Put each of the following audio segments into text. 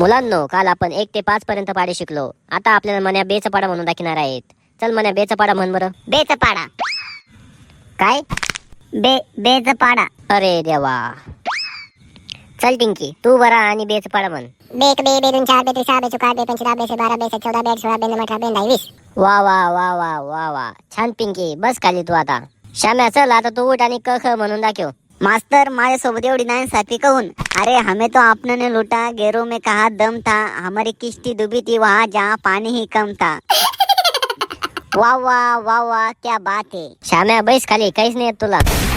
मुलांनो, काल आपण 1 ते 5 पर्यंत पाडे शिकलो. आता आपल्याला मन्या बेचा पाडा म्हणून दाखवणार आहेत. चल मन्या बेचा पाडा म्हण बरं. बेचा पाडा. काय? बेचा पाडा. अरे देवा. चल टिंकी, तू बरा आणि बेचा पाडा म्हण. बेक बे बे 2 4 बे 3 6 बे 4 बे 5 6 बे 12 बे 14 बे 16 बे 18 बे 19 वा वा वा वा वा वा. छान पिंकी, बस खाली तू आता. श्याम्या चल आता तू उठ आणि क ख म्हणून दाखव. मास्तर माझ्यासोबत एवढी नाही साथी कहून. अरे हमें तो आपने ने लूटा, गैरों में कहा दम था, हमारी किश्ती डूबी थी वहाँ जहाँ पानी ही कम था. वाह वाह वाह वाह, क्या बात है. श्याम्या बैस खाली, काहीच नाही येत तुला.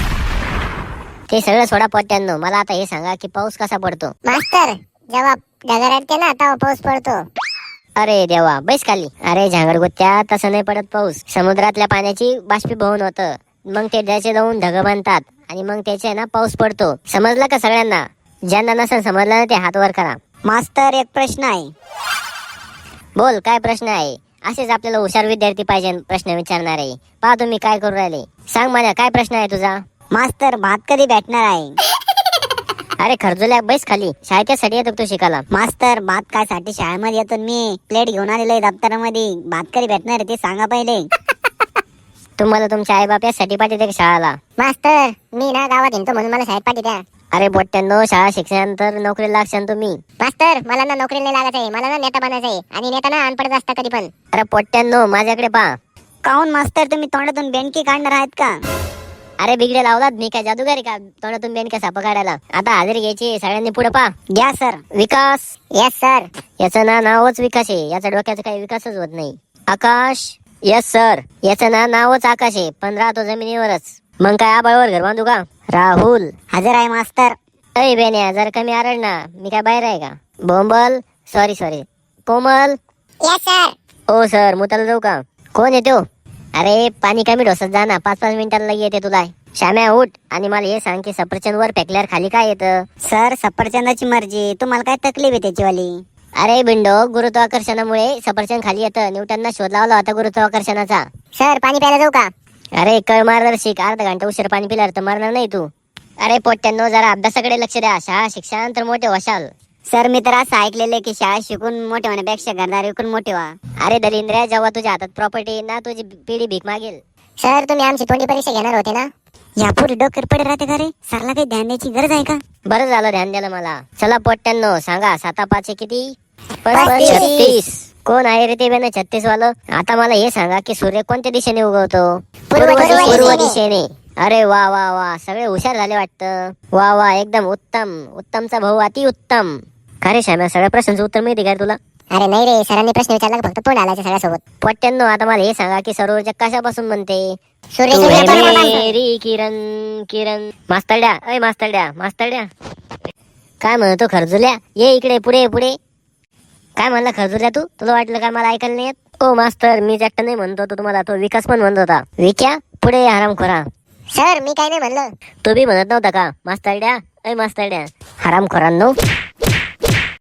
ते सगळं सोडा पोट्यांनो, मला आता हे सांगा की पाऊस कसा पडतो. मास्तर जेव्हा ढगाळ येते ना तेव्हा पाऊस पडतो. अरे देवा, बैस खाली. अरे झांगडगुत्त्या, तसं नाही पडत पाऊस. समुद्रातल्या पाण्याची बाष्पीभवन होतं, मग ते त्याचे जाऊन ढग बांधतात आणि मग त्याचे ना पाऊस पडतो. समजलं का सगळ्यांना? ज्यांना नसेल समजलं ना ते हात वर करा. मास्तर एक प्रश्न आहे. बोल, काय प्रश्न आहे? असेच आपल्याला हुशार विद्यार्थी पाहिजे प्रश्न विचारणारे. पहा तुम्ही काय करू राहिले. सांग मला, काय प्रश्न आहे तुझा? मास्तर भात कधी भेटणार आहे? अरे खरजुल्या, बैस खाली. शाळेच्यासाठी येतो तू शिकायला. मास्तर भात काय साठी शाळेमध्ये येतो मी. प्लेट घेऊन आलेलो आहे दप्तरामध्ये. भात कधी भेटणार आहे ते सांगा पहिले. तुम्हाला तुमच्या आई बाप यासाठी पाठवते का शाळेला? मास्तर मी ना गावात हिंडतो म्हणून मला शाळेत पाठी द्या. अरे पोट्ट्यांनो, शाळा शिक्षणानंतर नोकरीला लागशान तुम्ही. मास्तर मला ना नोकरीला नाही लागायचं आहे, मला ना नेता बनायचं आहे. आणि नेता ना अनपडच असता कधी पण. अरे पोट्ट्यांनो, माझ्याकडे पहा. काऊन मास्तर तुम्ही तोंडातून बेंडकी काढणार आहेत का? अरे बिगडे लावलात, मी काय जादूगारी का तोंडातून बेन का साप काढायला? आता हजेरी घ्यायची, सगळ्यांनी पुढे पहा. घ्या सर. विकास. Yes sir. याचं नावच विकास आहे, याचा डोक्याचा काही विकासच होत नाही. आकाश. Yes sir. याचं नावच आकाश आहे, पण राहतो जमिनीवरच. मग काय आबाळवर घर बांधू का? राहुल. हजर आहे मास्तर. अय बेन्या, जर कमी आरड ना, मी काय बाहेर आहे का? बोंबल. Sorry. Komal. Yes sir. Oh sir, मुताला जाऊ का? कोण येतो? अरे पाणी कमी ढोसत जा ना, 5-5 मिनिटांना लगे येते तुला. श्याम्या उठ आणि मला हे सांग की सफरचंद वर फेकल्यावर खाली काय येतं? सर सफरचंदाची मर्जी, तुम्हाला काय तकलीफ आहे त्याचीवाली? अरे बिंडो, गुरुत्वाकर्षणामुळे सफरचंद खाली येतं. न्यूटनना शोध लावला होता गुरुत्वाकर्षणाचा. सर पाणी प्यायला जाऊ का? अरे कळ मार्गदर्शिक, अर्धा घंटा उशीर पाणी पिल्यावर तर मरणार नाही तू. अरे पोट्ट्यांनो, जरा अभ्यासाकडे लक्ष द्या. शाळा शिक्षण तर मोठे होशाल. सर मी तर असं ऐकलेलं की शाळा शिकून मोठे होण्यापेक्षा घरदार विकून मोठे व्हा. अरे दलिंद्र्या, जेव्हा तुझ्या हातात प्रॉपर्टी येईल ना, तुझी पिढी भीक मागेल. सर तुम्ही आमची तोंडी परीक्षा घेणार होते ना? यापुढे डोकर पडे राहते का रे? सरला काही ध्यान द्यायची गरज आहे का? बरं झालं ध्यान द्यायला मला. चला पोट्ट्यांनो, सांगा 7-5 किती? 35. कोण आहे रे ते बेन 36 वालं? आता मला हे सांगा की सूर्य कोणत्या दिशेने उगवतो? पूर्व दिशेने. अरे वा वा वा, सगळे हुशार झाले वाटतं. वा वा, एकदम उत्तम. उत्तमचा भाऊ अति उत्तम. खरे श्याम्या, सगळ्या प्रश्नांचं उत्तर माहिती का तुला? अरे नाही रे, सरांनी प्रश्न विचारला का फक्त तोंड आलायचं सगळ्यासोबत? पोट्ट्यांनो, आता मला हे सांगा की सौरऊर्जा कशापासून बनते? सूर्य. किरण. मास्तरड्या. काय म्हणतो खरजुल्या? ये इकडे, पुढे. काय म्हणला खरजुल्या तू? तुला वाटलं काय मला ऐकायला नाही येत? ओ मास्तर, मी एकटा नाही म्हणतो तो तुम्हाला, तो विकास पण म्हणत होता. विक्या, पुढे हरामखोरा. सर मी काय नाही म्हणलं. तो बी म्हणत नव्हता का? मास्तरड्या. हरामखोरांनो.